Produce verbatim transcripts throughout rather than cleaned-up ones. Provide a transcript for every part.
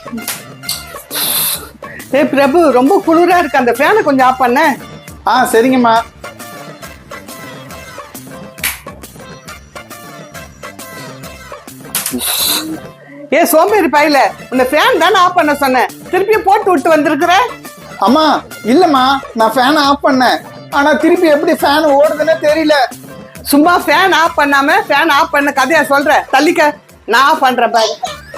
ஏ பிரபு, ரொம்ப குளிரா இருக்கு, அந்த ஃபேனை கொஞ்சம் ஆஃப் பண்ண. ஆ சரிங்கம்மா. ஏ சோம்பேறி பையில, உன்னை ஃபேன் தானே ஆஃப் பண்ண சொன்னேன், திருப்பியும் போட்டு விட்டு வந்திருக்கிற. அம்மா இல்லம்மா, நான் ஃபேனை ஆஃப் பண்ணேன், ஆனா திருப்பி எப்படி ஃபேன் ஓடுதுன்னு தெரியல. சும்மா ஃபேன் ஆஃப் பண்ணாம ஃபேன் ஆஃப் பண்ண கதையா சொல்ற, தள்ளிக்க, நான் ஆஃப் பண்றேன் பாரு.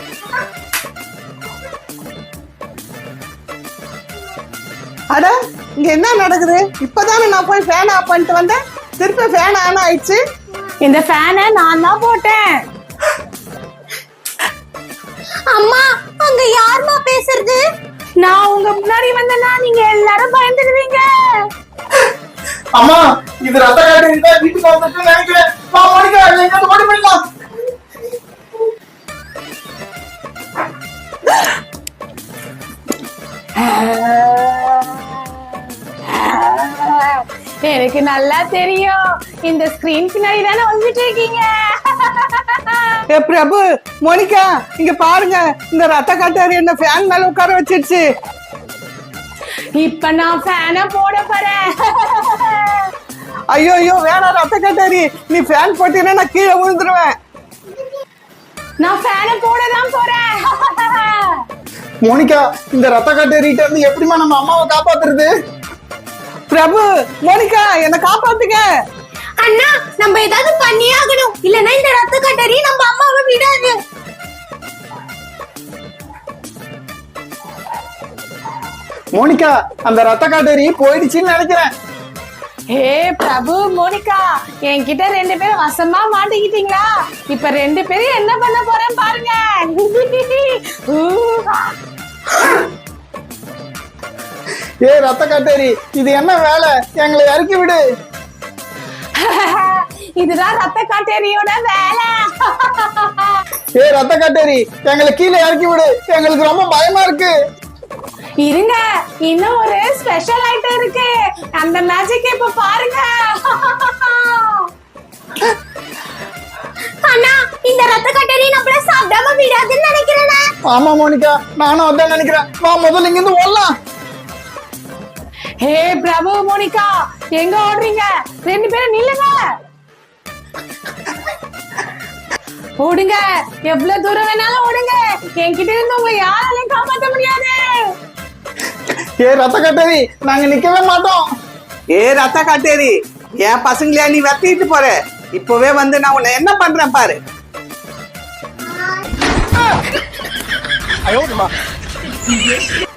அட, இங்க என்ன நடக்குது? இப்பதானே நான் போய் ஃபேன் ஆஃப் பண்ணிட்டு வந்தேன், திருப்பி ஃபேன் ஆன் ஆயிடுச்சு. இந்த ஃபேனை நான் தான் போட்டேன். அம்மா, அங்க யாருமா பேசுறது? நான் உங்க முன்னாடி வந்தேன்னா நீங்க எல்லாரும் பயந்துடுவீங்க. அம்மா, இது ரத்த காட்டு இருந்தா வீட்டுக்கு வந்துட்டு நினைக்கிறேன். வா மோனிகா, எங்க ஓடி போயிடலாம். எனக்கு நல்லா தெரியும், இந்த ஸ்கிரீன் பின்னாடி தானே வந்துட்டு இருக்கீங்க. ஏ பிரபு, மோனிகா, இங்க பாருங்க, இந்த ரத்த காட்டாரி என்ன ஃபேன் மேல உட்கார வச்சிருச்சு. இப்ப நான் ஃபேனை போட போறேன். ஐயோ ஐயோ, வேணாம் ரத்த காட்டாரி, நீ ஃபேன் போட்டீங்கன்னா நான் கீழே விழுந்துருவேன். நான் ஃபேனை போட தான் போறேன். மோனிகா, இந்த ரத்த காட்டேரிட்ட இருந்து எப்படிமா நம்ம அம்மாவை காப்பாத்துறது? பிரபு, மோனிகா, என்ன காப்பாத்துங்க. அண்ணா, நம்ம ஏதாவது பண்ணியே ஆகணும், இல்லனா இந்த ரத்த கட்டரி நம்ம அம்மாவை விடாது. மோனிகா, அந்த ரத்த காட்டேரி போயிடுச்சுன்னு நினைக்கிறேன். ஹே பிரபு, மோனிகா, என்கிட்ட ரெண்டு பேரும் வசமா மாட்டிக்கிட்டீங்களா? இப்ப ரெண்டு பேரும் என்ன பண்ண போறேன் பாருங்க. ஏ ரத்த காட்டேரி, இது என்ன வேலை? எங்களை இறக்கி விடு. இதுதான் ரத்த காட்டேரியோட வேலை. ஏ ரத்த காட்டேரி, எங்களை கீழே இறக்கி விடு, எங்களுக்கு ரொம்ப பயமா இருக்கு. இருங்க, இன்னும் ஒரு ஸ்பெஷல் ஐட்டம் இருக்கு, அந்த மேஜிக் இப்ப பாருங்க. அண்ணா, இந்த ரத்த கட்டரி நம்மள சாப்பிடாம விடாதுன்னு நினைக்கிறேன். ஆமா மோனிகா, நானும் அதான் நினைக்கிறேன். வா முதல்ல இங்க இருந்து ஓடலாம். ஹே பிரபு, மோனிகா, எங்க ஓடுறீங்க? ரெண்டு பேரும் நில்லுங்க. ஓடுங்க, எவ்வளவு தூரம் வேணாலும் ஓடுங்க, என்கிட்ட இருந்து உங்க யாராலையும் காப்பாற்ற முடியாது. ஏ ரத்த காட்டேரி, நாங்க நிக்கவே மாட்டோம். ஏ ரத்த காட்டேரி, என் பசங்களையா நீ வெட்டிட்டு போற? இப்பவே வந்து நான் உன்னை என்ன பண்றேன் பாரு. ஐயோ